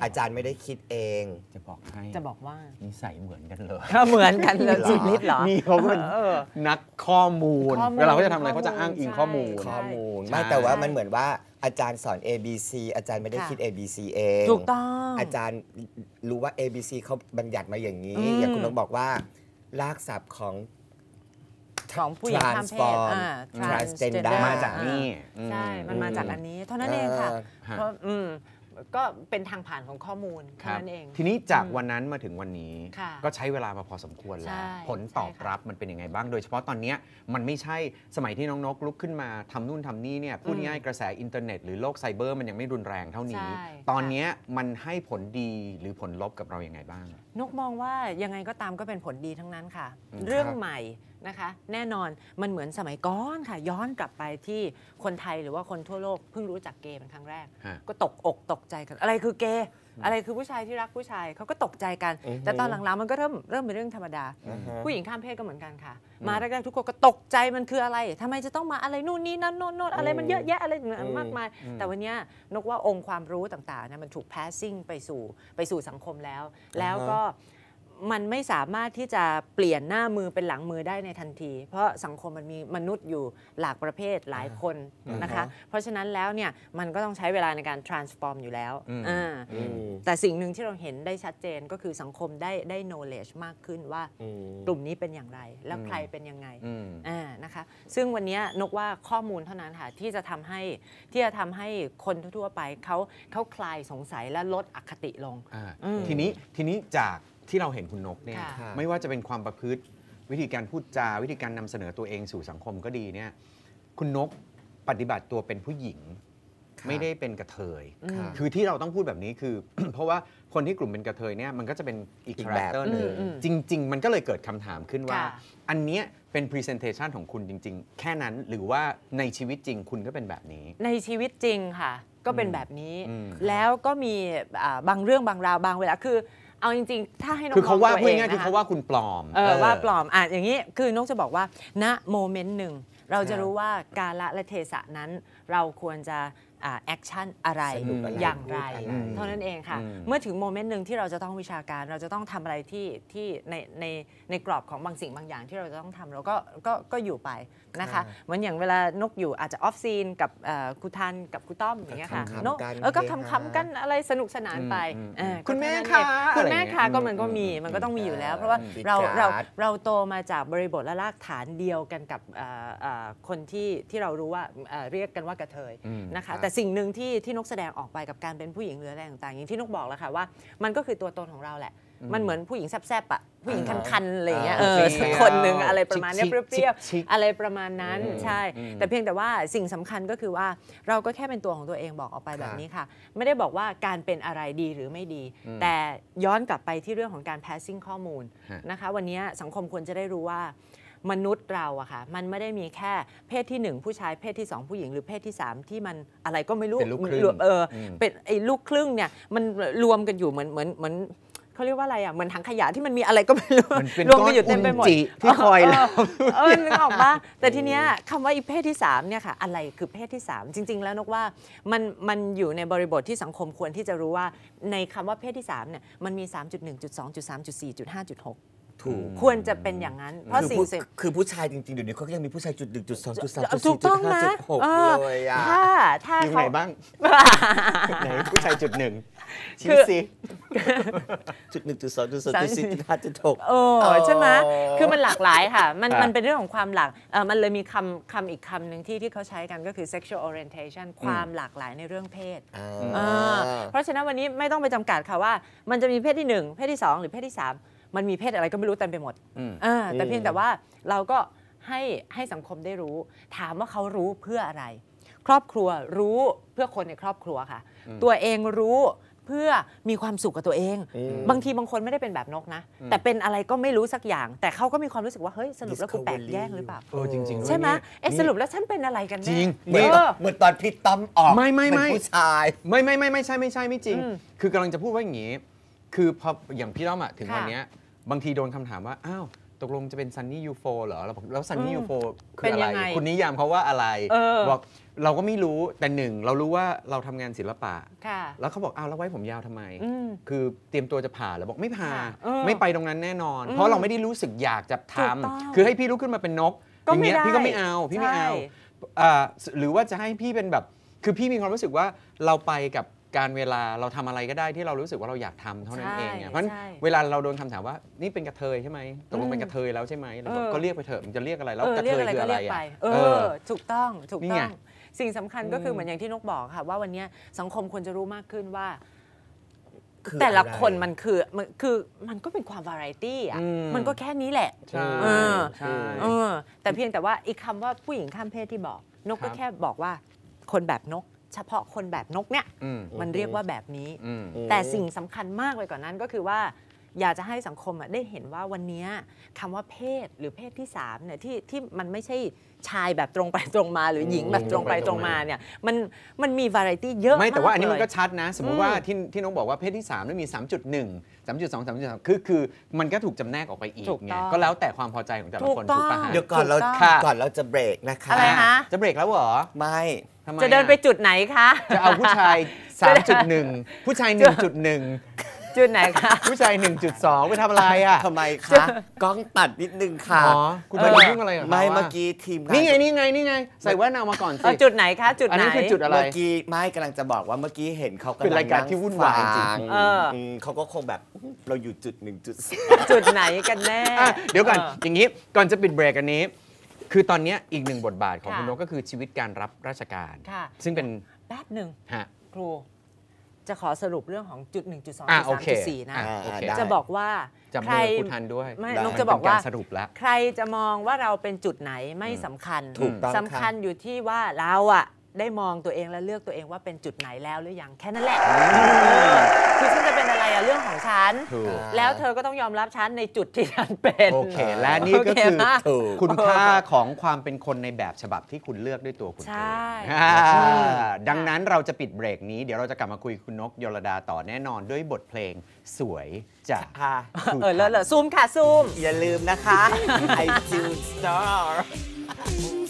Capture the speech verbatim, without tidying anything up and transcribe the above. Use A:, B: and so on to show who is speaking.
A: อาจารย์ไม่ได้คิดเอง
B: จะบอกให้
C: จะบอกว่า
B: นิสัยเหมือนกันเลย
C: เหมือนกันเลยสุดฤทธิ์เหรอ
B: นี่เขาเป็นนักข้อมูลเวลาเขาจะทำอะไรเขาจะอ้างอิงข้อมูล
A: ข้อมูลไม่แต่ว่ามันเหมือนว่าอาจารย์สอน A B C อาจารย์ไม่ได้คิด A B C เอง
C: ถูกต้อง
A: อาจารย์รู้ว่า A B C เขาบัญญัติมาอย่างนี้อย่างคุณนกบอกว่ารากศัพท์ของ
C: ของผู้หญิงข้ามเพศ
A: transgender
B: มาจากนี่
C: ใช่มันมาจากอันนี้เท่านั้นเองค่ะเพราะอืมก็เป็นทางผ่านของข้อมูลเท่านั้นเอง
B: ทีนี้จากวันนั้นมาถึงวันนี้ก็ใช้เวลามาพอสมควรแล้วผลตอบรับมันเป็นยังไงบ้างโดยเฉพาะตอนนี้มันไม่ใช่สมัยที่น้องนกลุกขึ้นมาทำนู่นทำนี่เนี่ยพูดง่ายกระแสอินเทอร์เน็ตหรือโลกไซเบอร์มันยังไม่รุนแรงเท่านี้ตอนนี้มันให้ผลดีหรือผลลบกับเราอย่างไงบ้าง
C: นกมองว่ายังไงก็ตามก็เป็นผลดีทั้งนั้นค่ะเรื่องใหม่นะคะแน่นอนมันเหมือนสมัยก่อนค่ะย้อนกลับไปที่คนไทยหรือว่าคนทั่วโลกเพิ่งรู้จักเกย์เป็นครั้งแรกก็ตกอกตกใจกันอะไรคือเกย์อะไรคือผู้ชายที่รักผู้ชายเขาก็ตกใจกันแต่ตอนหลังๆมันก็เริ่มเริ่มเป็นเรื่องธรรมดาผู้หญิงข้ามเพศก็เหมือนกันค่ะมาแรกๆทุกคนก็ตกใจมันคืออะไรทำไมจะต้องมาอะไรนู่นนี่นั่นโน่นโน่นอะไรมันเยอะแยะอะไรมากมายแต่วันนี้นกว่าองค์ความรู้ต่างๆนะมันถูก passing ไปสู่ไปสู่สังคมแล้วแล้วก็มันไม่สามารถที่จะเปลี่ยนหน้ามือเป็นหลังมือได้ในทันทีเพราะสังคมมันมีมนุษย์อยู่หลากประเภทหลายคนนะคะเพราะฉะนั้นแล้วเนี่ยมันก็ต้องใช้เวลาในการ transform อยู่แล้วแต่สิ่งหนึ่งที่เราเห็นได้ชัดเจนก็คือสังคมได้ได้ knowledge มากขึ้นว่ากลุ่มนี้เป็นอย่างไรแล้วใครเป็นยังไงนะคะซึ่งวันนี้นกว่าข้อมูลเท่านั้นค่ะที่จะทำให้ที่จะทำให้คนทั่วไปเขาเขาคลายสงสัยและลดอคติลง
B: ทีนี้ทีนี้จากที่เราเห็นคุณนกเนี่ยไม่ว่าจะเป็นความประพฤติวิธีการพูดจาวิธีการนำเสนอตัวเองสู่สังคมก็ดีเนี่ยคุณนกปฏิบัติตัวเป็นผู้หญิงไม่ได้เป็นกระเทยคือที่เราต้องพูดแบบนี้คือ เพราะว่าคนที่กลุ่มเป็นกระเทยเนี่ยมันก็จะเป็นอีกคาแรคเตอร์หนึ่งจริงๆมันก็เลยเกิดคำถามขึ้นว่าอันเนี้ยเป็น presentation ของคุณจริงๆแค่นั้นหรือว่าในชีวิตจริงคุณก็เป็นแบบนี้
C: ในชีวิตจริงค่ะก็เป็นแบบนี้แล้วก็มีบางเรื่องบางราวบางเวลาคือเอาจริงๆถ้าให้น้อง
B: คือเขาว่าพูดง่ายๆคือเขาว่าคุณปลอม
C: เออว่าปลอมอ่ะอย่างนี้คือนกจะบอกว่าณโมเมนต์หนึ่งเราจะรู้ว่ากาลและเทศะนั้นเราควรจะแอคชั่นอะไรอย่างไรเท่านั้นเองค่ะเมื่อถึงโมเมนต์หนึ่งที่เราจะต้องวิชาการเราจะต้องทำอะไรที่ที่ในในในกรอบของบางสิ่งบางอย่างที่เราจะต้องทำเราก็ก็ก็อยู่ไปนะคะเหมือนอย่างเวลานกอยู่อาจจะออฟซีนกับครูทันกับครูต้อมอย่างเงี้ยค่ะนกเออก็คำๆกันอะไรสนุกสนานไป
B: คุณแม่ค่ะ
C: คุณแม่ค่ะก็มันก็มีมันก็ต้องมีอยู่แล้วเพราะว่าเราเราเราโตมาจากบริบทและรากฐานเดียวกันกับคนที่ที่เรารู้ว่าเรียกกันว่ากระเทยนะคะแต่สิ่งหนึ่งที่ที่นกแสดงออกไปกับการเป็นผู้หญิงหรืออะไรต่างๆอย่างที่นกบอกแล้วค่ะว่ามันก็คือตัวตนของเราแหละมันเหมือนผู้หญิงแซ่บๆอ่ะผู้หญิงคันๆอะไรอย่างเงี้ยเออสักคนหนึ่งอะไรประมาณนี้เปรี้ยวๆอะไรประมาณนั้นใช่แต่เพียงแต่ว่าสิ่งสำคัญก็คือว่าเราก็แค่เป็นตัวของตัวเองบอกออกไปแบบนี้ค่ะไม่ได้บอกว่าการเป็นอะไรดีหรือไม่ดีแต่ย้อนกลับไปที่เรื่องของการ passing ข้อมูลนะคะวันนี้สังคมควรจะได้รู้ว่ามนุษย์เราอะค่ะมันไม่ได้มีแค่เพศที่หนึ่งผู้ชายเพศที่สองผู้หญิงหรือเพศที่สามที่มันอะไรก็ไม่รู้
B: เป็นลูกครึ่ง
C: เออเป็นไอ้ลูกครึ่งเนี่ยมันรวมกันอยู่เหมือนเหมือนเหมือนเขาเรียกว่าอะไรอ่ะเหมือนถังขยะที่มันมีอะไรก็ไม่รู้รวมกันอยู่เต็มไปหมด
B: ที่คอยแล้ว
C: เออนึกออกปะแต่ทีเนี้ยคำว่าอีเพศที่สามเนี่ยค่ะอะไรคือเพศที่สามจริงๆแล้วนกว่ามันมันอยู่ในบริบทที่สังคมควรที่จะรู้ว่าในคำว่าเพศที่สามเนี่ยมันมี สามจุดหนึ่ง จุดสอง จุดสาม จุดสี่ จุดห้า จุดหกควรจะเป็นอย่างนั้นเพราะสิ่ง
A: คือผู้ชายจริงๆเดี๋ยวนี้เขาก็ยังมีผู้ชายจุดหนึ่งจุดสองจุดสามจุด
C: สี่จุดห้า
A: จุดหกเลยอ่ะ
C: ถ้าถ้า
B: เขาไหนบ้างไหนผู้ชายจุดหนึ่งชี้สิ
A: จุดหนึ่งจุดสองจุดสามจุดสี่จุดห้าจุดหก
C: โอ้ใช่ไหมคือมันหลากหลายค่ะมันมันเป็นเรื่องของความหลากมันเลยมีคำคำอีกคำหนึ่งที่ที่เขาใช้กันก็คือ sexual orientation ความหลากหลายในเรื่องเพศเพราะฉะนั้นวันนี้ไม่ต้องไปจำกัดค่ะว่ามันจะมีเพศที่หนึ่งเพศที่สองหรือเพศที่สามมันมีเพศอะไรก็ไม่รู้เต็มไปหมดแต่เพียงแต่ว่าเราก็ให้ให้สังคมได้รู้ถามว่าเขารู้เพื่ออะไรครอบครัวรู้เพื่อคนในครอบครัวค่ะตัวเองรู้เพื่อมีความสุขกับตัวเองบางทีบางคนไม่ได้เป็นแบบนกนะแต่เป็นอะไรก็ไม่รู้สักอย่างแต่เขาก็มีความรู้สึกว่าเฮ้ยสรุปแล้วกูแปลกแยกหรือเปล่า
B: เออจริงๆ
C: ใช่ไหมเอ๊ะสรุปแล้วฉันเป็นอะไรกันแน่
B: จริง
A: เหมือนตอนพี่ต้อมออก
B: ไม่ไม่ไม่
A: ผู้ชาย
B: ไม่ไม่ไม่ไม่ใช่ไม่ใช่ไม่จริงคือกำลังจะพูดว่าอย่างนี้คือพออย่างพี่ต้อมอะถึงวันนี้บางทีโดนคำถามว่าอ้าวตตกลงจะเป็นซันนี่ยูโฟเหรอเราบอกแล้วซันนี่
C: อืม
B: ยูโฟคื
C: เป็
B: อน อะไร
C: ยังไง
B: คุณนิยามเขาว่าอะไร
C: เออ
B: บอกเราก็ไม่รู้แต่หนึ่งเรารู้ว่าเราทำงานศิลปะ
C: ค่ะ
B: แล้วเขาบอกอ้าวแล้วไว้ผมยาวทำไม
C: อืม
B: คือเตรียมตัวจะผ่าแล้วบอกไม่ผ่า
C: ค่ะเออ
B: ไม่ไปตรงนั้นแน่นอน
C: อืม
B: เพราะเราไม่ได้รู้สึกอยากจะท
C: ถูกต้อง
B: ำคือให้พี่ลุกขึ้นมาเป็นนก
C: ก็
B: อย่าง
C: ไม่
B: เงี้ย
C: ได้
B: พี่ก็ไม่เอาพี่ไม่เอา
C: ใช่
B: อ่าหรือว่าจะให้พี่เป็นแบบคือพี่มีความรู้สึกว่าเราไปกับการเวลาเราทำอะไรก็ได้ที่เรารู้สึกว่าเราอยากทำเท่านั้นเองอะเพราะฉะนั้น
C: ใช่
B: เวลาเราโดนคำถามว่านี่เป็นกระเทยใช่ไหมตกลงเป็นกระเทยแล้วใช่ไหมเราบอก
C: เออ
B: ก็เรียกไปเถอะมันจะเรียกอะไรแล้ว
C: เออก
B: ระ
C: เรี
B: เท
C: ยก
B: ย
C: อะไร
B: คือ
C: ก็
B: อะไร
C: เรียกไป
B: อะ
C: เอ
B: เอ
C: อ
B: อ
C: ถูกต้องถูก
B: นี่
C: ต้
B: ไง
C: อง สิ่งสำคัญก็คือ
B: ม
C: เหมือนอย่างที่นกบอกค่ะว่าวันเนี้ยสังคมควรจะรู้มากขึ้นว่า
A: คือ
C: แต่ละ
A: อะไร
C: คนมันคือมันคือมันก็เป็นความวาไรตี้อ่ะ
B: อืม
C: มันก็แค่นี้แหละ
B: ใช่
C: เออ
B: ใช่
C: เออแต่เพียงแต่ว่าอีกคำว่าผู้หญิงข้ามเพศที่บอก นก
B: ครั
C: ก็
B: บ
C: แค่บอกว่าคนแบบนก เฉพาะคนแบบนกเนี่ย
B: อืม
C: มันเรียกว่าแบบนี้
B: อืม
C: แต่สิ่งสำคัญมากไปกว่านั้นก็คือว่า อยากจะให้สังคมอะได้เห็นว่าวันนี้คำว่าเพศหรือเพศที่สามเนี่ยที่ที่มันไม่ใช่ชายแบบตรงไปตรงมา หรือหญิงแบบตรงไปตรงมาเนี่ยมันมันมีวาไรตี้เยอะ
B: ไม่แต่ว่าอันนี้มันก็
C: เลย
B: ชัดนะ สมมุติว่าที่ที่น้องบอกว่าเพศที่สามนี่มี สามจุดหนึ่ง สามจุดสอง สามจุดสาม คือคือมันก็ถูกจำแนกออกไปอีก
C: ถูก
B: ไง
C: ต้อง
B: ก็แล้วแต่ความพอใจของแต่ละคน
C: ถูกต้
B: ถู
C: อง
B: กปะฮะ
A: เดี๋ยวก่อนเรา
C: ถูกต้อง
B: ค่ะ
A: ก่อนเราจะเบรกนะคะ
C: อะไรคะ
B: จะเบรกแล้วเหรอ
A: ไม่
B: ทำไม
C: จะเดินไป
B: อ
C: จุดไหนคะ
B: จะเอาผู้ชาย สามจุดหนึ่ง ผู้ชาย หนึ่งจุดหนึ่ง
C: จุดไหนคะ
B: ผู้ชาย หนึ่งจุดสอง ไปทำอะไรอ่ะ
A: ทำไมคะ กล้องตัดนิดนึงค่ะ
B: อ๋อคุณไปยุ่งอะไรกับเขา
A: ไม่
B: อะ
A: เมื่อกี้ทีมงาน
B: นี่ไงนี่ไงนี่ไง ใส่แว่นเอามาก่อนสิ
C: เอาจุดไหนคะ จุด
B: อัน
C: ไหน
B: นี้คือจุดอะไร
A: เมื่อกี้ไม่กำลังจะบอกว่าเมื่อกี้เห็นเขากำลัง
B: เป็นรายการที่วุ่นวายจริง
A: นั่ฟั
C: เออ
A: มเขาก็คงแบบเราอยู่จุดหนึ่งจุดส
C: จุดไหนกันแน่
B: อ่ะเดี๋ยวก่อน
C: ออ
B: อย่างนี้ก่อนจะปิดเบรกอันนี้ คือตอนเนี้ยอีกหนึ่งบทบาทของ
C: ค่ะ
B: คุณนกก็คือชีวิตการรับราชการ
C: ค่ะ
B: ซึ่งเป็น
C: แป๊บหนึ่ง
B: ฮะ
C: ครู จะขอสรุปเรื่องของจุดหนึ่งจุดสอง
B: อ่ะ
C: จุด
B: โอ
C: สาม
B: เค
C: จุดสี่นะ
B: อ่ะโอเค
A: ได้
C: จะบอกว่า
B: จับ
C: ใคร
B: มือคุณทันด้วย
C: ไม่
A: ได้
C: นกจะบอกว่า
B: เป็นรสรุปแล้ว
C: ใครจะมองว่าเราเป็นจุดไหนไม่สำคัญ
A: ถูกต้อง
C: สำคัญอยู่ที่ว่าเราอะได้มองตัวเองและเลือกตัวเองว่าเป็นจุดไหนแล้วหรือยังแค่นั้นแหละคือฉันจะเป็นอะไรอะเรื่องของฉัน
B: ถูก
C: แล้วเธอก็ต้องยอมรับฉันในจุดที่ฉันเป็น
B: โอเค และนี่ก็คือ
C: โอเคปะ
A: ถูก
B: คุณค่าของความเป็นคนในแบบฉบับที่คุณเลือกด้วยตัวคุณเอง
C: ใช่
B: อ่า
C: ใช่
B: ดังนั้นเราจะปิดเบรกนี้ เดี๋ยวเราจะกลับมาคุยคุณนกยลดาต่อแน่นอนด้วยบทเพลงสวยจาก
A: ค่ะ
B: ครู
C: เออเล
B: ทั
C: อะ
B: น
C: เลอะซูมค่ะซูม
A: อย่าลืมนะคะ I do star